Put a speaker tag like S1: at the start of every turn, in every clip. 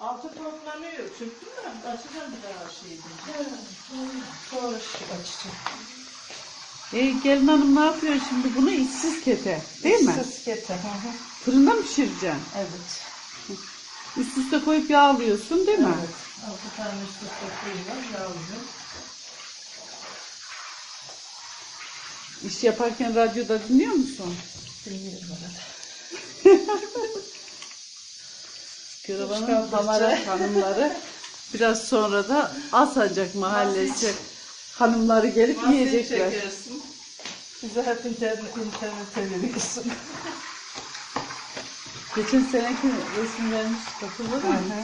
S1: Altı toplanıyor. Çöktüm ben. Açacağım bir daha şeydi. Sonra açacağım.
S2: Gelin hanım ne yapıyor şimdi? Bunu içsiz kete değil mi?
S1: İçsiz kete.
S2: Fırında mı pişireceksin?
S1: Evet.
S2: Üst üste koyup yağlıyorsun değil mi?
S1: Evet. 6 tane üst üste koyuyorum. Yağlıyorum.
S2: İş yaparken radyoda dinliyor musun?
S1: Dinliyorum arada.
S2: Karavanın Hamara hanımları biraz sonra da Alsancak Mahallesi hanımları gelip yiyecekler.
S1: Çekersin. Bize hep internete veriyorsun.
S2: Geçen seneki resim vermiş hatırladın mı?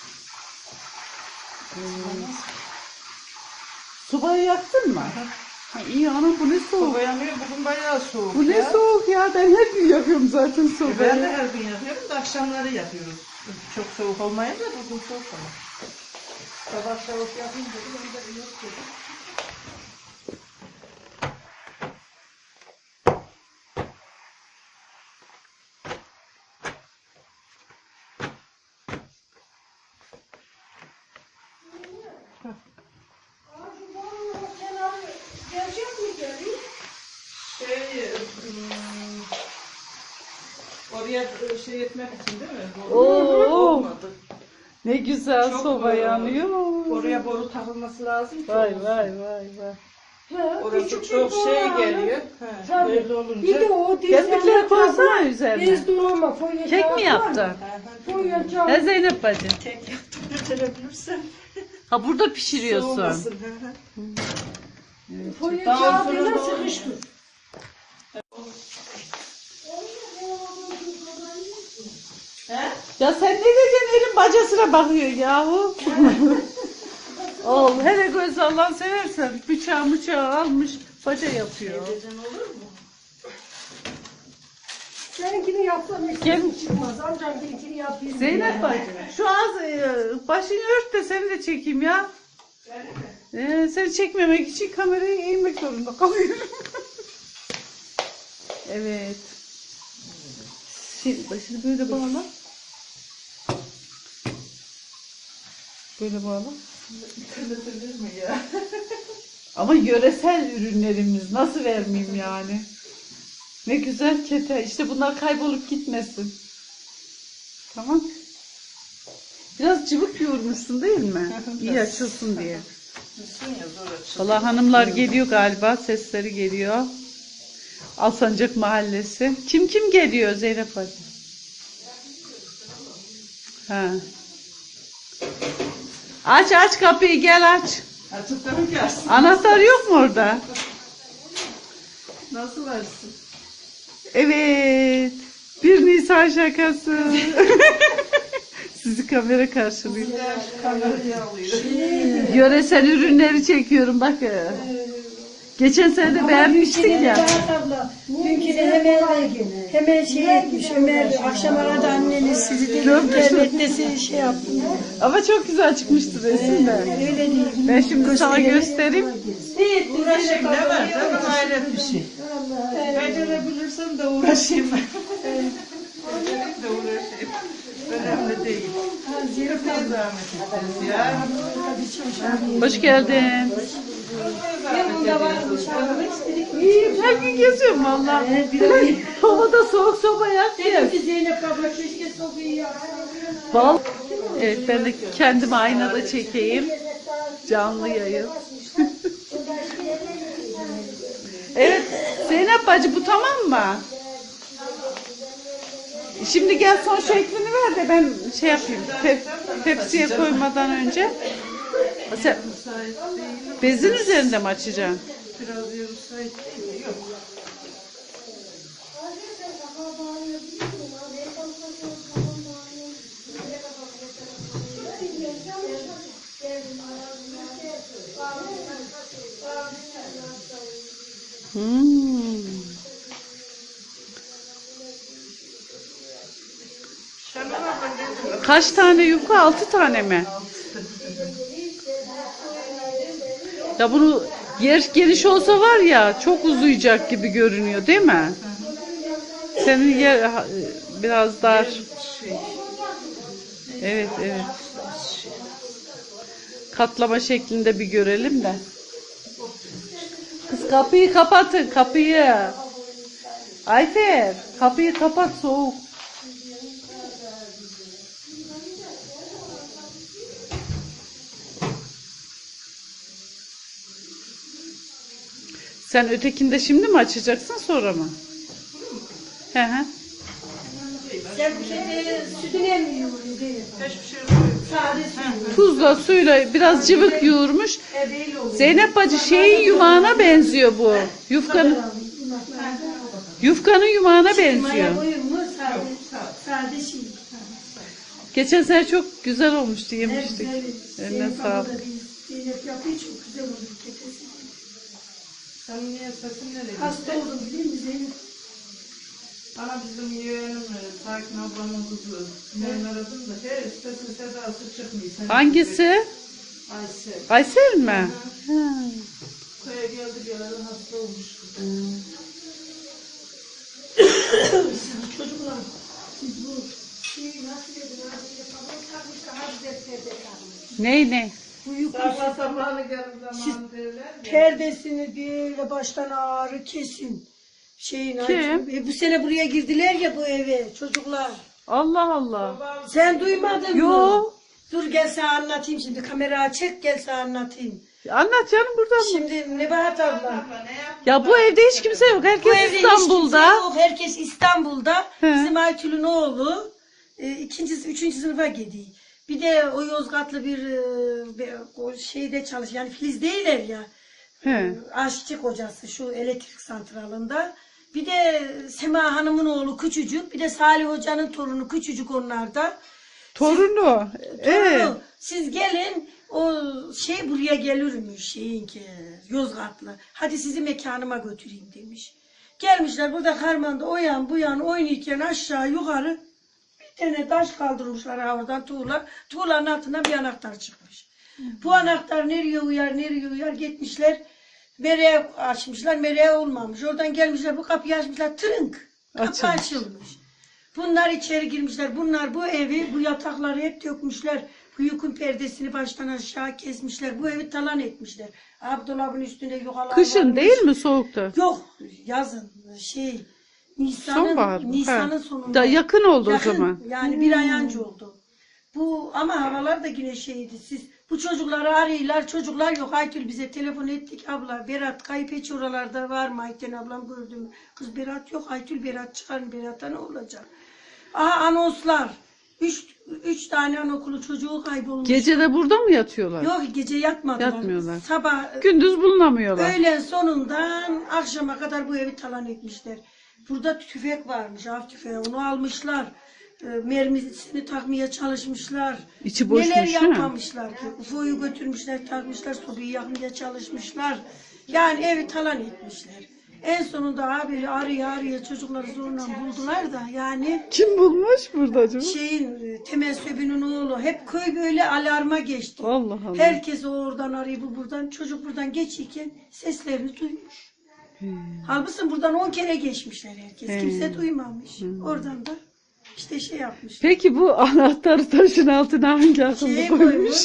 S2: Sobayı yaktın mı? Ha, iyi anam bu ne soğuk.
S1: Soba yanıyor. Bugün bayağı soğuk.
S2: Bu ne soğuk ya, ben her gün yakıyorum zaten sobayı.
S1: Ben de her gün yapıyorum da akşamları yapıyoruz. Çok soğuk olmayınca bugün soğuk ama. Sabah soğuk yapınca ben de yok dedim. Oraya şey etmek için değil mi? Olmadı.
S2: Ne güzel
S1: Çok
S2: soba yanıyor.
S1: Oraya boru takılması lazım ki.
S2: Vay
S1: olsun.
S2: vay vay vay.
S1: Orası çok şey geliyor.
S3: Tabii.
S1: Böyle olunca.
S3: Bir de o
S2: Kestikleri koysana üzerine.
S3: Bez dolama, folyo
S2: Kek
S3: kağıt
S2: mi
S3: var
S2: yaptın?
S3: mı? Folyo kağıt.
S2: He Zeynep bacı.
S1: Kek yaptım götürebilirsen.
S2: Ha burada pişiriyorsun.
S1: Soğumasın.
S3: Folyo
S1: Daha
S3: kağıdıyla
S1: fırında
S3: sıkıştır.
S1: He?
S2: Ya sen ne diyeceksin, elin bacasına bakıyor yahu. Ol hele göz Allah'ını seversen bıçağı almış baca yapıyor.
S1: Gecen olur mu?
S3: Seninkini yapsam
S2: Gel.
S3: hiç çıkmaz. Amcamkini yapayım.
S2: Zeynep bacı şu az başını ört de seni de çekeyim ya. Seni çekmemek için kamerayı eğmek zorunda kalıyorum. Evet. Şimdi başını böyle bağla. Böyle bağla.
S1: Kırılır mı ya?
S2: Ama yöresel ürünlerimiz nasıl vermeyeyim yani. Ne güzel kete. İşte bunlar kaybolup gitmesin. Tamam. Biraz cıvık yoğurmuşsun değil mi? İyi açılsın diye.
S1: Düşsün ya zor açılır.
S2: Valla hanımlar geliyor galiba. Sesleri geliyor. Alsancak Mahallesi. Kim geliyor Zeynep Hacı? Ha. Aç kapıyı, gel aç.
S1: Açıp da mı gelsin?
S2: Anahtar yok mu orada?
S1: Nasıl açsın?
S2: Evet. 1 Nisan şakası. Sizi kamera karşılıyor.
S1: Kamerayı alıyor.
S2: Yöresel ürünleri çekiyorum bakın. Geçen sene de beğenmiştik ya.
S3: Abla, dünküne hemen şey etmiş. Ömer akşam aradı anneniz sizi dedi. İnternette şey yaptım.
S2: Ama çok güzel çıkmıştı resim de.
S3: Öyle değil.
S2: Ben şimdi sana göstereyim.
S1: Uğraşayım ne var canım, hayret bir şey. Becerebilirsem de uğraşayım. Becerip de uğraşayım. Önemli değil. Kırmaya zahmet edeceğiz ya.
S2: Hoş geldin. İyiyim, her gün geziyorum valla. Havada soğuk soba yak diye.
S3: Zeynep abla keşke sobayı yapsaydı.
S2: Vallahi. Evet, ben de kendimi aynada çekeyim. Canlı yayın. Evet, Zeynep bacı bu tamam mı? Şimdi gel son şeklini ver de ben şey yapayım. Tepsiye koymadan önce. Sen bezin üzerinde mi açacaksın?
S1: Biraz yarım saat değil mi? Yok.
S2: Kaç tane yufka? 6 tane mi? Ya bunu yer geniş olsa var ya çok uzayacak gibi görünüyor değil mi? Senin yer biraz dar.
S1: Şey,
S2: Evet, evet. Katlama şeklinde bir görelim de. Kız kapıyı kapatın, kapıyı. Ayfer, kapıyı kapat, soğuk. Sen ötekinde şimdi mi açacaksın, sonra mı? Hı hı.
S3: Sen bu kedi sütüne mi yoğuruyor değil mi?
S1: Hiçbir şey yok.
S3: Sade süt.
S2: Tuzla suyla biraz cıvık yoğurmuş.
S3: Değil oluyor.
S2: Zeynep bacı şeyin yumağına benziyor bu. Yufkanın yumağına benziyor.
S3: Maya koyun mu? Sade şey.
S2: Geçen sene çok güzel olmuştu,
S3: Evet,
S2: yemiştik.
S3: evet.
S2: Eline sağlık.
S3: Zeynep yapıyor, çok güzel olur ketesi.
S1: Sen niye sesin nereye?
S3: Hasta oldum biliyor musun Zeynep?
S1: Bana bizim yeğenim Sakin ablamın kızı. Ben aradım da her sesi sedası çıkmıyor. Sen
S2: Hangisi?
S1: Aysel.
S2: Aysel mi? Ha.
S1: Köye geldi geleli hasta olmuş.
S3: Çocuklar, siz bu şeyi nasıl edin? Sabah takmış daha güzel perde takmış.
S2: Ne?
S3: Uyku
S1: Sabah sabahlı gelin zamanı derler ya.
S3: perdesini böyle baştan ağrı kesin. Şeyin
S2: Kim?
S3: bu sene buraya girdiler ya bu eve çocuklar.
S2: Allah Allah.
S3: Sen duymadın mı?
S2: Yo.
S3: Dur gel sana anlatayım şimdi. Kamera çek gel sana anlatayım.
S2: Anlat canım, buradan mı?
S3: Şimdi Nebahat abla.
S1: Abla ne yaptın?
S2: Ya bu evde hiç kimse yok.
S3: Bu
S2: Herkes
S3: evde hiç
S2: İstanbul'da.
S3: kimse yok. Herkes İstanbul'da.
S2: He.
S3: Bizim Aytül'ün oğlu üçüncü sınıfa gidiyor. Bir de o Yozgatlı o şeyde çalış yani Filiz değiller ya.
S2: He.
S3: Aşçı kocası şu elektrik santralında. Bir de Sema Hanım'ın oğlu küçücük. Bir de Salih Hoca'nın torunu küçücük onlarda.
S2: Torunu. Evet.
S3: Torunu, siz gelin o şey buraya gelirmiş şeyinki Yozgatlı. Hadi sizi mekanıma götüreyim demiş. Gelmişler burada harmanda o yan bu yan oynarken aşağı yukarı bir tane taş kaldırmışlar oradan tuğla. Tuğlanın altından bir anahtar çıkmış. Bu anahtar nereye uyar gitmişler. Mereğe açmışlar, mereğe olmamış. Oradan gelmişler, bu kapıyı açmışlar, tırınk. Kapı
S2: Açılmış.
S3: açılmış. Bunlar içeri girmişler. Bunlar bu evi, bu yatakları hep dökmüşler. Bu yükün perdesini baştan aşağı kesmişler. Bu evi talan etmişler. Abdolabın üstüne yukalar
S2: Kışın
S3: varmış.
S2: değil mi, soğukta?
S3: Yok, yazın.
S2: Sonbahar mı?
S3: Nisan'ın
S2: Ha.
S3: sonunda.
S2: Da yakın oldu
S3: Yakın,
S2: o zaman.
S3: yani bir ay önce oldu. Bu ama havalar da yine şeydi. Siz bu çocukları arıyorlar. Çocuklar yok. Aytül bize telefon ettik. Abla Berat kayıp hiç oralarda var mı? Ayten ablam gördüm. Kız Berat yok. Aytül Berat çıkar. Berat'a ne olacak? Aha anonslar. Üç tane anaokulu çocuğu kaybolmuş.
S2: Gece de burada mı yatıyorlar?
S3: Yok gece yatmadılar.
S2: Yatmıyorlar.
S3: Sabah
S2: Gündüz bulunamıyorlar.
S3: öğlen sonundan akşama kadar bu evi talan etmişler. Burada tüfek varmış, av tüfeği. Onu almışlar. Mermisini takmaya çalışmışlar.
S2: İçi boşmuş,
S3: Neler
S2: değil mi?
S3: yapmamışlar ki. UFO'yu götürmüşler, takmışlar, sobayı yakmaya çalışmışlar. Yani evi talan etmişler. En sonunda abi araya çocukları zorla buldular da yani
S2: Kim bulmuş burada acaba?
S3: Temel Söbü'nün oğlu hep köy böyle alarma geçti.
S2: Allah Allah.
S3: Herkes oradan arıyor, bu buradan. Çocuk buradan geçirken seslerini duymuş. Halbuki buradan 10 kere geçmişler herkes. Kimse duymamış. Oradan da işte şey yapmış.
S2: Peki bu anahtarı taşın altına hangi akıllı
S3: Şeye
S2: koymuş?
S3: koymuş.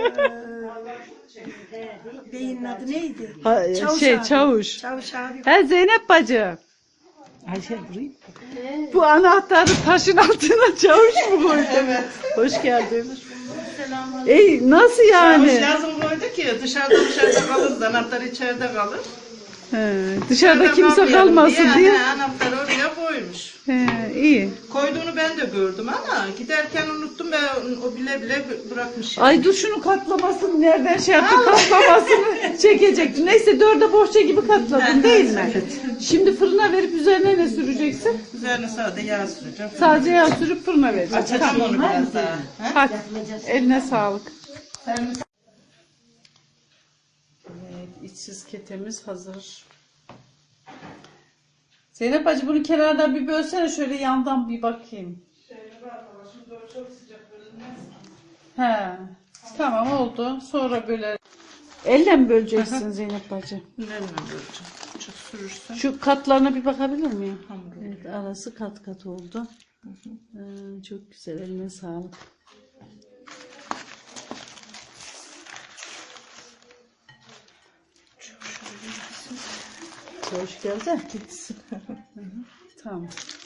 S3: Beyinin adı neydi?
S2: Ha, Çavuş.
S3: Çavuş abi.
S2: He Zeynep bacı. Ayşe burayı. Bu anahtarı taşın altına çavuş mu koydu?
S1: Evet.
S2: Hoş geldin. Nasıl yani?
S1: Çavuş yazın koydu ki dışarıda kalır, anahtar içeride kalır.
S2: He, dışarıda kimse
S1: kalmayalım
S2: kalmasın diye.
S1: Anahtarı oraya koymuş.
S2: He, iyi.
S1: Koyduğunu ben de gördüm ama giderken unuttum ve o bile bırakmış.
S2: Ay dur şunu katlamasını nereden şey yaptın, katlamasını çekecektim. Neyse dörde bohça gibi katladın değil mi? Şimdi fırına verip üzerine ne süreceksin?
S1: Üzerine sade yağ süreceğim.
S2: Sadece yağ sürüp fırına vereceksin.
S1: Açacağım onu biraz daha.
S2: Hadi eline sağlık. Evet, içsiz ketemiz hazır. Zeynep bacı bunu kenardan bir bölsene, şöyle yandan bir bakayım.
S1: Çok sıcak bölünmez.
S2: He, tamam oldu. Sonra böyle elle mi böleceksin Zeynep bacı?
S1: Nereden göreceğim? Çok sürürsen.
S2: Şu katlarına bir bakabilir miyim?
S1: Hamur.
S2: Evet, arası kat kat oldu. Çok güzel, eline sağlık.
S1: Hoş geldin. Gitsin.
S2: Tamam.